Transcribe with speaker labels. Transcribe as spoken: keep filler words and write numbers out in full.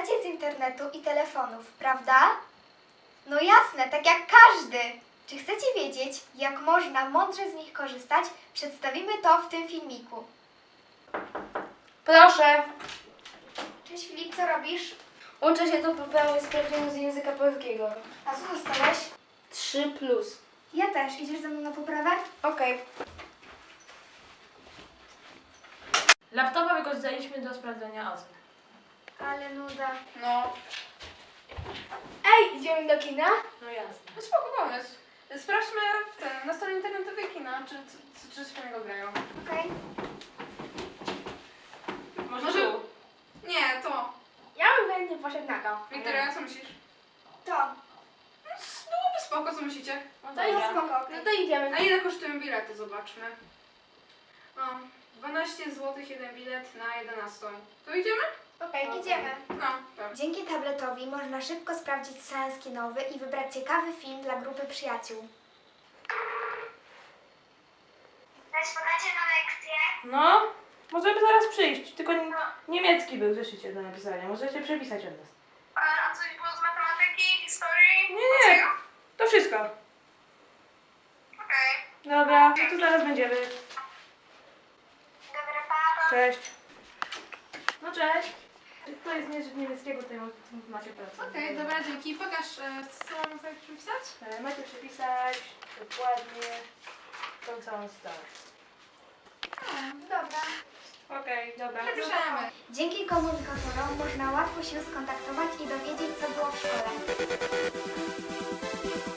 Speaker 1: korzystacie z internetu i telefonów, prawda? No jasne, tak jak każdy. Czy chcecie wiedzieć, jak można mądrze z nich korzystać? Przedstawimy to w tym filmiku.
Speaker 2: Proszę.
Speaker 1: Cześć Filip, co robisz?
Speaker 2: Uczę się do poprawy sprawdzianu z języka polskiego.
Speaker 1: A co dostałeś?
Speaker 2: trzy plus.
Speaker 1: Ja też. Idziesz ze mną na poprawę?
Speaker 2: Okej.
Speaker 3: Laptopa wykorzystaliśmy do sprawdzenia ocen.
Speaker 1: Ale nuda.
Speaker 2: No.
Speaker 1: Ej, idziemy do kina?
Speaker 3: No jasne.
Speaker 4: No spoko pomysł. Sprawdźmy w ten, na stronie internetowej kina, czy, czy, czy coś fajnego grają.
Speaker 1: Okej.
Speaker 3: Może,
Speaker 4: Może-
Speaker 3: tu?
Speaker 4: Nie, to.
Speaker 1: Ja bym chętnie poszedł na to.
Speaker 4: Wiktoria, co myślisz?
Speaker 1: To.
Speaker 4: Byłoby spoko, co myślicie?
Speaker 3: No
Speaker 1: To
Speaker 3: dobra.
Speaker 1: jest spoko, okej.
Speaker 2: No to idziemy.
Speaker 4: A ile kosztują bilety? Zobaczmy. O, dwanaście złotych jeden bilet na jedenaście. To idziemy?
Speaker 1: Okej, idziemy.
Speaker 4: No, tak.
Speaker 1: Dzięki tabletowi można szybko sprawdzić seans kinowy i wybrać ciekawy film dla grupy przyjaciół. Rozpoczęcie na lekcję.
Speaker 3: No, możemy zaraz przyjść. Tylko nie- niemiecki był w zeszycie do napisania. Możecie przepisać od nas.
Speaker 4: A coś było z matematyki, historii?
Speaker 3: Nie, nie. To wszystko.
Speaker 4: Okej.
Speaker 3: Dobra, no to zaraz będziemy.
Speaker 1: Dobra, pa.
Speaker 3: Cześć. No cześć. To jest nie- niemieckiego, to macie pracę.
Speaker 4: Okej, dobra, dzięki. Pokaż, e, co mam sobie przepisać?
Speaker 3: E, Macie przepisać dokładnie tą całą stronę.
Speaker 1: Dobra.
Speaker 3: Okej, dobra.
Speaker 4: Przepiszemy.
Speaker 1: Dzięki komunikatorom można łatwo się skontaktować i dowiedzieć, co było w szkole.